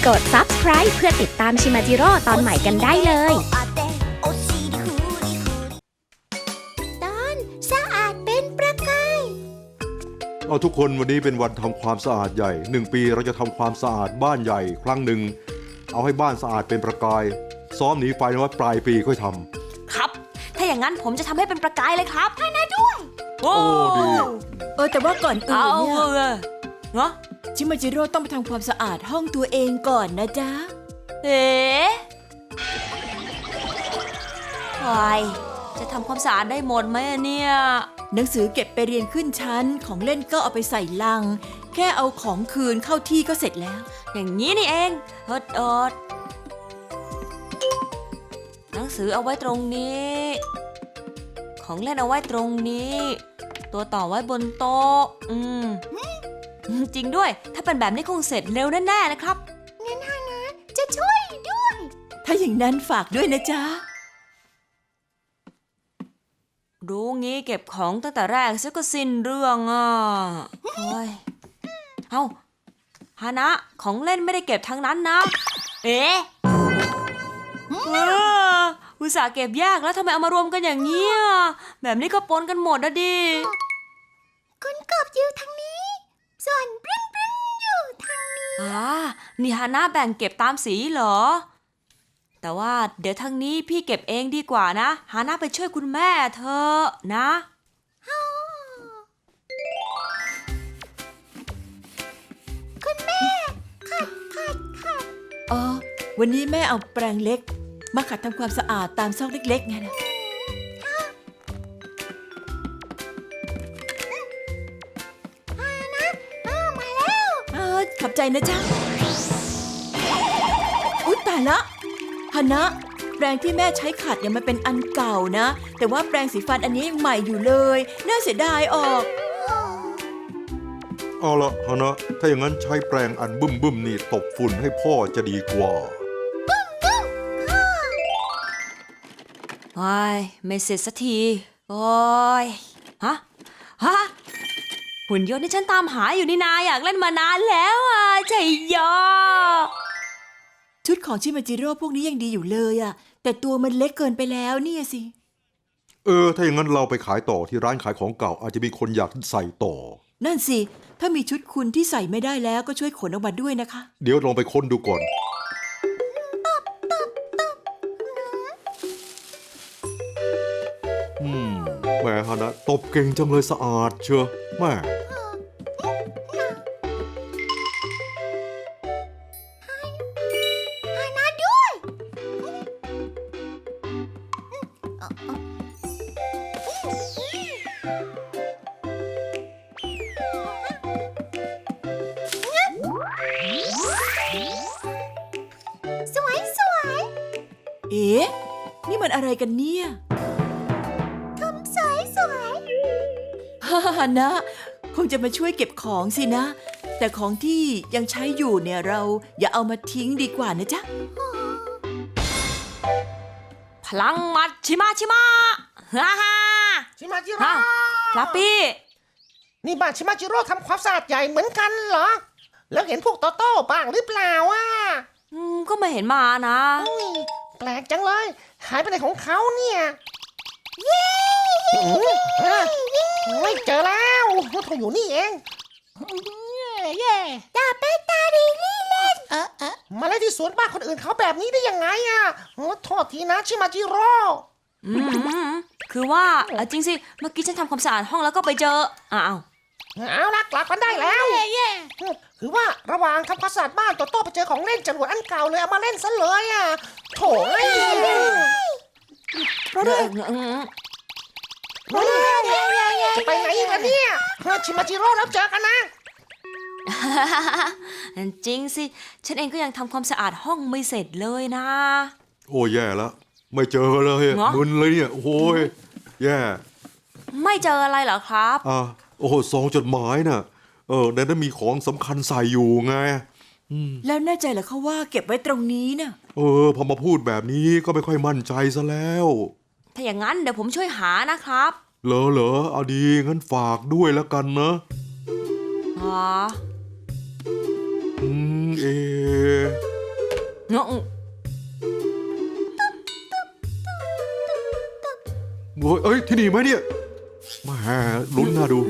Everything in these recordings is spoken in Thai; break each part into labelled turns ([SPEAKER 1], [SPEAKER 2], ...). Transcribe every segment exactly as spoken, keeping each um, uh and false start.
[SPEAKER 1] กด ซับสไครบ์ เพื่อติดตามชิมาจิโร่ตอนใหม่กันได้เลย
[SPEAKER 2] ตอนสะอาดเป็นประกาย
[SPEAKER 3] เอาทุกคนวันนี้เป็นวันทำความสะอาดใหญ่หนึ่งปีเราจะทำความสะอาดบ้านใหญ่ครั้งหนึ่งเอาให้บ้านสะอาดเป็นประกายซ้อมหนีไฟไว้ปลายปีค่อยทำ
[SPEAKER 4] ครับถ้าอย่างนั้นผมจะทำให้เป็นประกายเลยครับให้นะด้วยโอ้
[SPEAKER 3] ดี
[SPEAKER 5] เออแต่ว่าก่อนอื่นเนี่ย
[SPEAKER 4] เนาะ
[SPEAKER 5] ชิมาจิโร่ต้องไปทำความสะอาดห้องตัวเองก่อนนะจ๊ะ
[SPEAKER 4] เอ๋ใครจะทำความสะอาดได้หมดไหมเนี่ย
[SPEAKER 5] หนังสือเก็บไปเรียนขึ้นชั้นของเล่นก็เอาไปใส่ลังแค่เอาของคืนเข้าที่ก็เสร็จแล้ว
[SPEAKER 4] อย่างนี้นี่เองเฮิดเอิดหนังสือเอาไว้ตรงนี้ของเล่นเอาไว้ตรงนี้ตัวต่อไว้บนโต๊ะอืมจริงด้วยถ้าเป็นแบบนี้คงเสร็จเร็วแน่ๆนะครับ
[SPEAKER 2] งั้นฮานะจะช่วยด้วย
[SPEAKER 5] ถ้าอย่างนั้นฝากด้วยนะจ๊ะ
[SPEAKER 4] รู้งี้เก็บของตั้งแต่แรกซะก็สิ้นเรื่องอ่ะโอ้ยเอ้าฮานะของเล่นไม่ได้เก็บทั้งนั้นนะเอ๊ะเอออุตส่าห์เก็บแยกแล้วทำไมเอามารวมกันอย่างนี้อ่ะแบบนี้ก็ปนกันหมดนะดิ
[SPEAKER 2] คุณกบอยู่ทางนี้ส่วนปรึ้นปรึ้นอยู่ทางนี้
[SPEAKER 4] อ่านี่ฮานะแบ่งเก็บตามสีเหรอแต่ว่าเดี๋ยวทางนี้พี่เก็บเองดีกว่านะฮานะไปช่วยคุณแม่เธอนะ
[SPEAKER 2] คุณแม่ขัดขัดขัด
[SPEAKER 5] อ๋อวันนี้แม่เอาแปรงเล็กมาขัดทำความสะอาดตามซอกเล็กๆไงนะขอบใจนะจ๊ะอุ๊ยตายละฮานะแปรงที่แม่ใช้ขัดเนี่ยมันเป็นอันเก่านะแต่ว่าแปรงสีฟันอันนี้ยังใหม่อยู่เลยน่าเสียดายออก
[SPEAKER 3] เอาละฮานะถ้าอย่างนั้นใช้แปรงอันบึ้มบึ้มนี่ตบฝุ่นให้พ่อจะดีกว่า
[SPEAKER 4] โอ้ยไม่เสร็จสักทีโอ้ยฮะฮะหุ่นยนต์ที่ฉันตามหาอยู่นี่นาอยากเล่นมานานแล้วอ่ะใจยอ
[SPEAKER 5] ชุดของชิมาจิโร่พวกนี้ยังดีอยู่เลยอ่ะแต่ตัวมันเล็กเกินไปแล้วเนี่ยสิ
[SPEAKER 3] เออถ้าอย่างนั้นเราไปขายต่อที่ร้านขายของเก่าอาจจะมีคนอยากใส่ต่อ
[SPEAKER 5] นั่นสิถ้ามีชุดคุณที่ใส่ไม่ได้แล้วก็ช่วยขนออกมาด้วยนะคะ
[SPEAKER 3] เดี๋ยวลองไปค้นดูก่อนอืมแม่ฮานะตบเก่งจังเลยสะอาดเชียวแม่
[SPEAKER 2] สวยสวย
[SPEAKER 5] เอ๊ะนี่มันอะไรกันเนี่ย
[SPEAKER 2] ทำสวยสวย
[SPEAKER 5] ฮ่าฮ่านะคงจะมาช่วยเก็บของสินะแต่ของที่ยังใช้อยู่เนี่ยเราอย่าเอามาทิ้งดีกว่านะจ๊ะ
[SPEAKER 4] พลังมัดชิมาชิมาฮ่าฮ่า
[SPEAKER 6] ชิมาจิโร่
[SPEAKER 4] ฟลัปปี้
[SPEAKER 6] นี่บ้านชิมาจิโร่ทำความสะอาดใหญ่เหมือนกันเหรอแล้วเห็นพวกโตโต้บ้างหรือเปล่าอ่ะ
[SPEAKER 4] อืมก็ไม่เห็นมานะ
[SPEAKER 6] แปลกจังเลยหายไปไหนของเขาเนี่ยเย้ไม่เจอแล้วเขาอยู่นี่เองเย่
[SPEAKER 2] ตาเปตาดีลี่เล่น
[SPEAKER 6] เออเออมาเล่นที่สวนบ้านคนอื่นเขาแบบนี้ได้ยังไงอ่ะโทษทีนะชิมาจิโร่
[SPEAKER 4] อืมคือว่าจริงสิเมื่อกี้ฉันทำความสะอาดห้องแล้วก็ไปเจออ้าว
[SPEAKER 6] เอาละกลับกันได้แล้วคือว่าระหว่างทำความสะอาดบ้านโตโต้ไปเจอของเล่นจรวดอันเก่าเลยเอามาเล่นซะเลยอ่ะโถ่
[SPEAKER 5] เพราะด้วย
[SPEAKER 6] จะไปไหนอีกล่ะเนี่ยชิมาจิโร่แล้วเจอกันนะ
[SPEAKER 4] จริงสิฉันเองก็ยังทำความสะอาดห้องไม่เสร็จเลยนะ
[SPEAKER 3] โอ้แย่แล้วไม่เจอเลยมึนเลยเนี่ยโอ้ยแย่
[SPEAKER 4] ไม่เจออะไรเหรอครับ
[SPEAKER 3] อ่าโอ้โหซองจดหมายน่ะเออในนั้นมีของสำคัญใส่อยู่ไง
[SPEAKER 5] แล้วแน่ใจเหรอเขาว่าเก็บไว้ตรงนี้น่ะ
[SPEAKER 3] เออพอมาพูดแบบนี้ก็ไม่ค่อยมั่นใจซะแล้ว
[SPEAKER 4] ถ้าอย่างนั้นเดี๋ยวผมช่วยหานะครับ
[SPEAKER 3] เหรอเหรอเอาดีงั้นฝากด้วยแล้วกันนะ
[SPEAKER 4] อ๋อ
[SPEAKER 3] อืมเอ
[SPEAKER 4] เงาะ
[SPEAKER 3] โอ้ยเอ้ยที่นี่ไหมเนี่ยแหมลุ้นน่าดู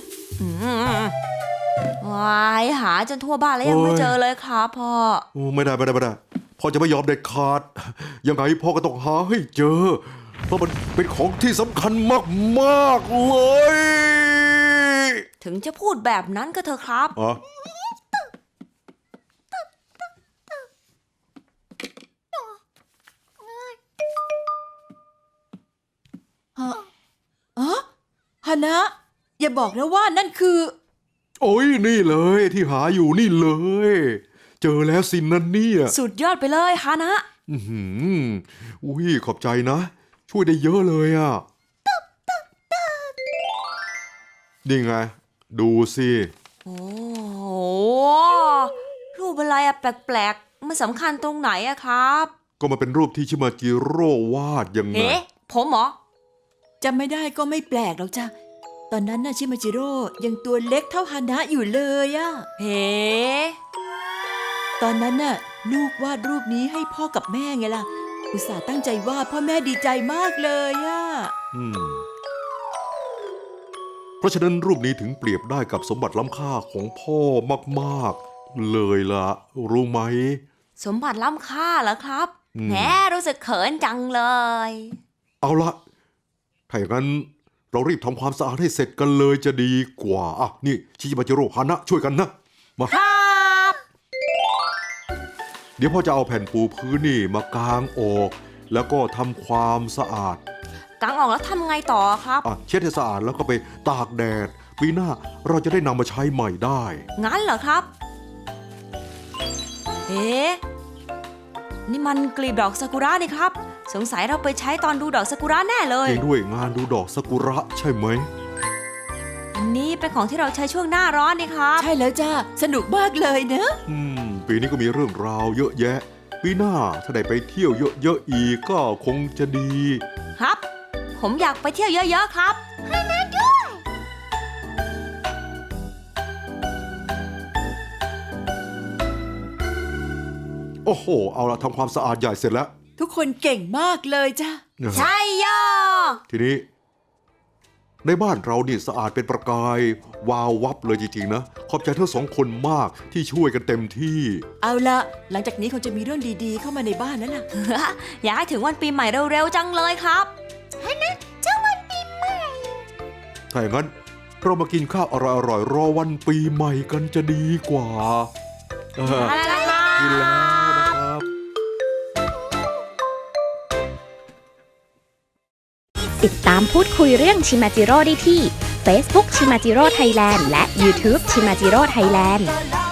[SPEAKER 4] วายหาจนทั่วบ้านแล้วยังไม่
[SPEAKER 3] โอ้ย
[SPEAKER 4] เจอเลยครับพ่อ
[SPEAKER 3] โอ้ไม่ได้ไม่ได้ไม่ได้พ่อจะไม่ยอมเด็ดขาด ยังไงพ่อก็ต้องหาให้เจอ เพราะมันเป็นของที่สำคัญมากๆเลย
[SPEAKER 4] ถึงจะพูดแบบนั้นก็เถอะครับ
[SPEAKER 3] อ๋อ
[SPEAKER 5] อ๋อฮานะ อย่าบอกนะว่านั่นคือ
[SPEAKER 3] โอ้ยนี่เลยที่หาอยู่นี่เลย เจอแล้วสินนั่นเนี่ย
[SPEAKER 4] สุดยอดไปเลยฮานะ
[SPEAKER 3] อื้อหืออุ้ยขอบใจนะ ช่วยได้เยอะเลยอ่ะนี่ไง ดูสิ
[SPEAKER 4] โอ้โหรูปอะไรอะแปลกๆมันสำคัญตรงไหนอะครับ
[SPEAKER 3] ก็มาเป็นรูปที่ชิมาจิโร่วาดยังไง
[SPEAKER 4] เฮ้ผมเหรอ
[SPEAKER 5] จำไม่ได้ก็ไม่แปลกหรอกจ้ะ ตอนนั้นน่ะชิมาจิโร่ยังตัวเล็กเท่าฮานะอยู่เลยอะ
[SPEAKER 4] เฮ้
[SPEAKER 5] ตอนนั้นน่ะลูกวาดรูปนี้ให้พ่อกับแม่ไงล่ะ อุตส่าห์ตั้งใจวาดพ่อแม่ดีใจมากเลยอะ
[SPEAKER 3] อืมเพราะฉะนั้นรูปนี้ถึงเปรียบได้กับสมบัติล้ำค่าของพ่อมากๆ เลยล่ะ รู้ไหม
[SPEAKER 4] สมบัติล้ำค่าเหรอครับ
[SPEAKER 3] อืม
[SPEAKER 4] แหมรู้สึกเขินจังเลย
[SPEAKER 3] เอาละถ้าอย่างนั้นเรารีบทำความสะอาดให้เสร็จกันเลยจะดีกว่าอ่ะนี่ชิมาจิโร่ฮานะช่วยกันนะมา
[SPEAKER 4] ครับ
[SPEAKER 3] เดี๋ยวพ่อจะเอาแผ่นปูพื้นนี่มากางออก แล้วก็ทำความสะอาด
[SPEAKER 4] กังออกแล้วทำไงต่อครับ
[SPEAKER 3] อ่ะเช็ดให้สะอาดแล้วก็ไปตากแดด ปีหน้าเราจะได้นำมาใช้ใหม่ได้
[SPEAKER 4] งั้นเหรอครับ เอ๊ะนี่มันกลีบดอกซากุระนี่ครับ สงสัยเราไปใช้ตอนดูดอกซากุระแน่เลย
[SPEAKER 3] จริงด้วยงานดูดอกซากุระใช่ไหม
[SPEAKER 4] อันนี้เป็นของที่เราใช้ช่วงหน้าร้อนนี่ครับ
[SPEAKER 5] ใช่แล้วจ้าสนุกมากเลยเนอะ
[SPEAKER 3] อืม ปีนี้ก็มีเรื่องราวเยอะแยะ ปีหน้าถ้าได้ไปเที่ยวเยอะๆอีกก็คงจะดี
[SPEAKER 4] ครับ ผมอยากไปเที่ยวเยอะๆครับ
[SPEAKER 3] โอ้โห เอาละทำความสะอาดใหญ่เสร็จแล้ว
[SPEAKER 5] ทุกคนเก่งมากเลยจ้า
[SPEAKER 4] ใช่ย่อ
[SPEAKER 3] ทีนี้ ในบ้านเรานี่สะอาดเป็นประกาย วาววับเลยจริงๆนะ ขอบใจทั้งสองคนมากที่ช่วยกันเต็มที่
[SPEAKER 5] เอาละหลังจากนี้คงจะมีเรื่องดีๆ เข้ามาในบ้านแล้วล่ะ
[SPEAKER 4] อยากให้ถึงวันปีใหม่เร็วๆจังเลยครับ
[SPEAKER 2] เจ้าวันปีใหม่
[SPEAKER 3] ถ้าอย่างนั้นเรามากินข้าวอร่อยๆรอวันปีใหม่กันจะดีกว่าเออ
[SPEAKER 4] อะไรล่ะครับ
[SPEAKER 3] กินแล้วนะครับ
[SPEAKER 1] ติดตามพูดคุยเรื่องชิมาจิโร่ได้ที่ Facebook ชิมาจิโร่ไทยแลนด์และ YouTube ชิมาจิโร่ไทยแลนด์
[SPEAKER 2] La la